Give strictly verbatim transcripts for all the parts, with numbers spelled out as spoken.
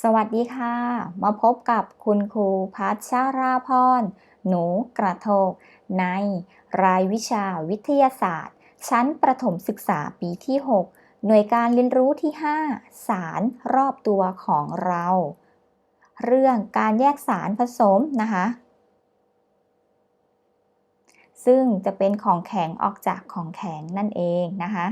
สวัสดีค่ะ มาพบกับคุณครูพัชราพร หนูกระโทกในรายวิชาวิทยาศาสตร์ ชั้นประถมศึกษาปีที่ หก หน่วยการเรียนรู้ที่ ห้า สารรอบตัวของเรา เรื่องการแยกสารผสมนะคะ ซึ่งจะเป็นของแข็งออกจากของแข็งนั่นเองนะคะ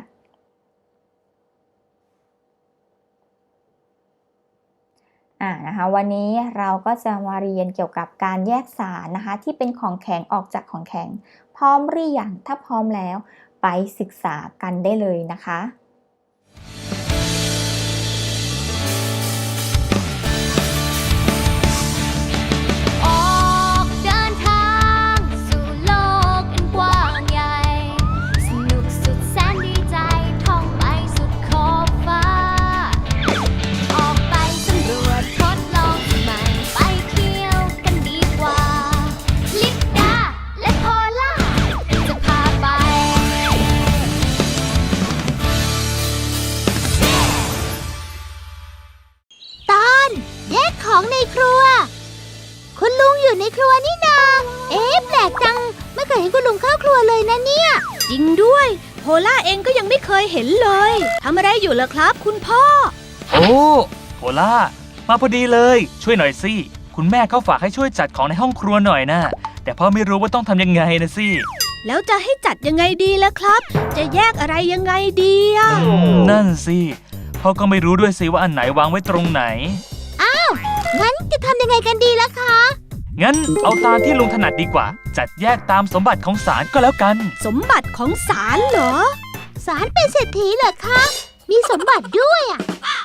อ่านะคะวันนี้เราก็จะมาเรียนเกี่ยวกับการแยกสารนะคะที่เป็นของแข็งออกจากของแข็งพร้อมหรือยังถ้าพร้อมแล้วไปศึกษากันได้เลยนะคะในครัวคุณลุงอยู่ในครัวนี่นาเอ๊ะแปลกจังไม่เคยเห็นคุณลุงเข้าครัวเลยนะเนี่ยจริงด้วยโพล่าเองก็ยังไม่เคยเห็นเลยทำอะไรอยู่ล่ะครับคุณพ่อโอ้โพล่ามาพอดีเลยช่วยหน่อยสิคุณแม่เขาฝากให้ช่วยจัดของในห้องครัวหน่อยนะแต่พ่อไม่รู้ว่าต้องทำยังไงนะสิแล้วจะให้จัดยังไงดีล่ะครับจะแยกอะไรยังไงดีอ่ะนั่นสิพ่อก็ไม่รู้ด้วยสิว่าอันไหนวางไว้ตรงไหนอ้าวงั้นจะทำยังไงกันดีล่ะคะงั้นเอาตามที่ลุงถนัดดีกว่าจัดแยกตามสมบัติของศาลก็แล้วกันสมบัติของศาลเหรอศาลเป็นเศรษฐีเหรอคะมีสมบัติด้วยอ่ะ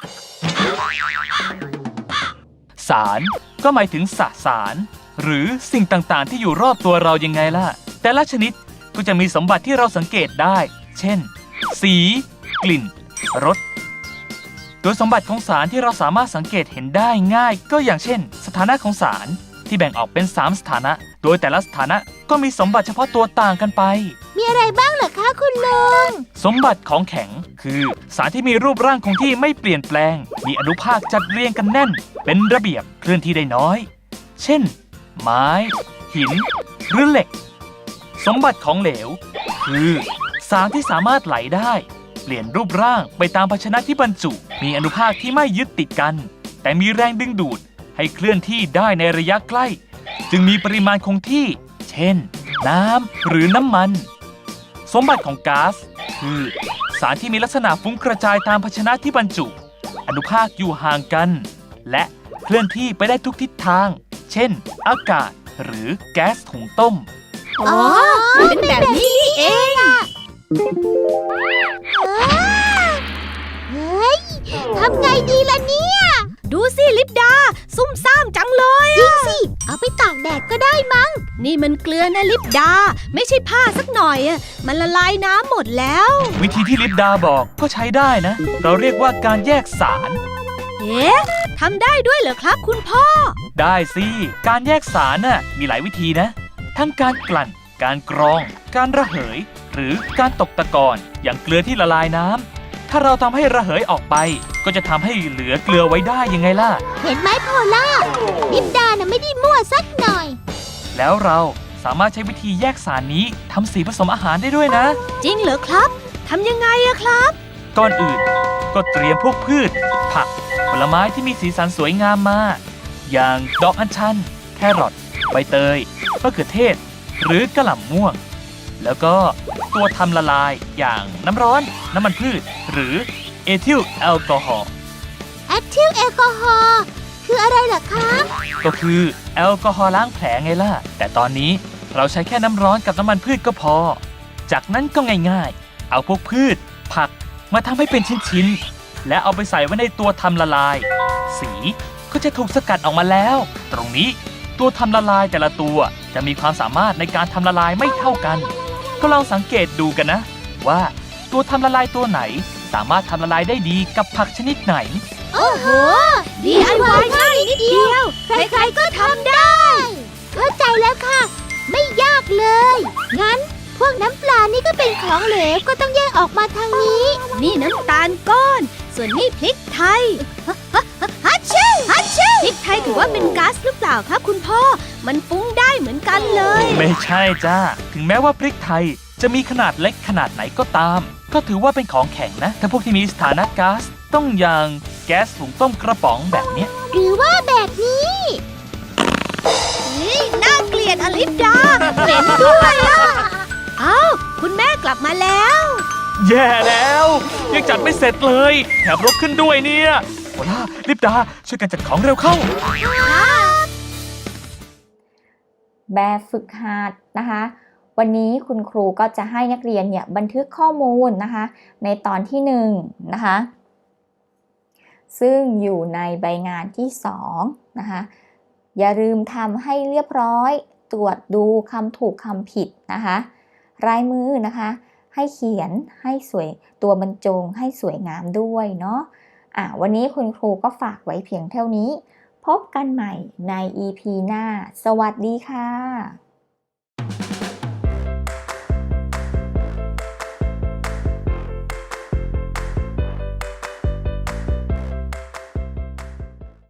ศาลก็หมายถึงสสารหรือสิ่งต่างๆที่อยู่รอบตัวเรายังไงล่ะแต่ละชนิดก็จะมีสมบัติที่เราสังเกตได้เช่นสีกลิ่นรสโดยสมบัติของสารที่เราสามารถสังเกตเห็นได้ง่ายก็อย่างเช่นสถานะของสารที่แบ่งออกเป็นสามสถานะโดยแต่ละสถานะก็มีสมบัติเฉพาะตัวต่างกันไปมีอะไรบ้างเหรอคะคุณลุงสมบัติของแข็งคือสารที่มีรูปร่างคงที่ไม่เปลี่ยนแปลงมีอนุภาคจัดเรียงกันแน่นเป็นระเบียบเคลื่อนที่ได้น้อยเช่นไม้หินหรือเหล็กสมบัติของเหลวคือสารที่สามารถไหลได้เปลี่ยนรูปร่างไปตามภาชนะที่บรรจุมีอนุภาคที่ไม่ยึดติดกันแต่มีแรงดึงดูดให้เคลื่อนที่ได้ในระยะใกล้จึงมีปริมาณคงที่เช่นน้ำหรือน้ำมันสมบัติของก๊าซคือสารที่มีลักษณะฟุ้งกระจายตามภาชนะที่บรรจุอนุภาคอยู่ห่างกันและเคลื่อนที่ไปได้ทุกทิศทางเช่นอากาศหรือแก๊สถุงต้มอ๋อเป็นแบบนี้นี่เองเฮ้ยทำไงดีล่ะเนี่ยดูสิลิปดาซุ่มซ่ามจังเลยจริงสิเอาไปตากแดดก็ได้มั้งนี่มันเกลือนะลิปดาไม่ใช่ผ้าสักหน่อยอ่ะมันละลายน้ำหมดแล้ววิธีที่ลิปดาบอกก็ใช้ได้นะเราเรียกว่าการแยกสารเอ๊ะทำได้ด้วยเหรอครับคุณพ่อได้สิการแยกสารน่ะมีหลายวิธีนะทั้งการกลั่นการกรองการระเหยหรือการตกตะกอนอย่างเกลือที่ละลายน้ำถ้าเราทำให้ระเหยออกไปก็จะทำให้เหลือเกลือไว้ได้ยังไงล่ะเห็นไหมโพล่าลิปดาน่ะไม่ได้มั่วสักหน่อยแล้วเราสามารถใช้วิธีแยกสารนี้ทำสีผสมอาหารได้ด้วยนะจริงเหรอครับทำยังไงอะครับก่อนอื่นก็เตรียมพวกพืชผักผลไม้ที่มีสีสันสวยงามมาอย่างดอกอัญชันแครอทใบเตยมะเขือเทศหรือกะหล่ำม่วงแล้วก็ตัวทำละลายอย่างน้ำร้อนน้ำมันพืชหรือเอทิลแอลกอฮอล์เอทิลแอลกอฮอล์คืออะไรล่ะคะก็คือแอลกอฮอล์ล้างแผลไงล่ะแต่ตอนนี้เราใช้แค่น้ำร้อนกับน้ำมันพืชก็พอจากนั้นก็ง่ายๆเอาพวกพืชผักมาทำให้เป็นชิ้นๆและเอาไปใส่ไว้ในตัวทำละลายสีก็จะถูกสกัดออกมาแล้วตรงนี้ตัวทำละลายแต่ละตัวจะมีความสามารถในการทำละลายไม่เท่ากันก็ลองสังเกตดูกันนะว่าตัวทำละลายตัวไหนสามารถทำละลายได้ดีกับผักชนิดไหนโอ้โห ดี ไอ วาย ง่ายนิดเดียวใครๆก็ทำได้เข้าใจแล้วค่ะไม่ยากเลยงั้นพวกน้ำปลานี่ก็เป็นของเหลวก็ต้องแยกออกมาทางนี้นี่น้ำตาลก้อนส่วนนี่พริกไทยฮัชชิฮัชพริกไทยถือว่าเป็นก๊าซหรือเปล่าครับคุณพ่อ มันฟุ้งได้เหมือนกันเลยไม่ใช่จ้า ถึงแม้ว่าพริกไทยจะมีขนาดเล็กขนาดไหนก็ตาม ก็ถือว่าเป็นของแข็งนะ ถ้าพวกที่มีสถานะก๊าซต้องอย่างแก๊สหุงต้มกระป๋องแบบเนี้ยหรือว่าแบบนี้นี่น่าเกลียดอลิฟดาเหม็นด้วยอะอ้าวคุณแม่กลับมาแล้วแย่แล้ว ยังจัดไม่เสร็จเลยแถมรกขึ้นด้วยเนี่ยโอล่าลิปดาช่วยกันจัดของเร็วเข้าแบบฝึกหัดนะคะ วันนี้คุณครูก็จะให้นักเรียนเนี่ยบันทึกข้อมูลนะคะในตอนที่หนึ่งนะคะซึ่งอยู่ในใบงานที่สองนะคะอย่าลืมทำให้เรียบร้อยตรวจดูคำถูกคำผิดนะคะลายมือนะคะให้เขียนให้สวยตัวบรรจงให้สวยงามด้วยเนาะอ่ะวันนี้คุณครูก็ฝากไว้เพียงเท่านี้พบกันใหม่ใน อี พี หน้าสวัสดีค่ะ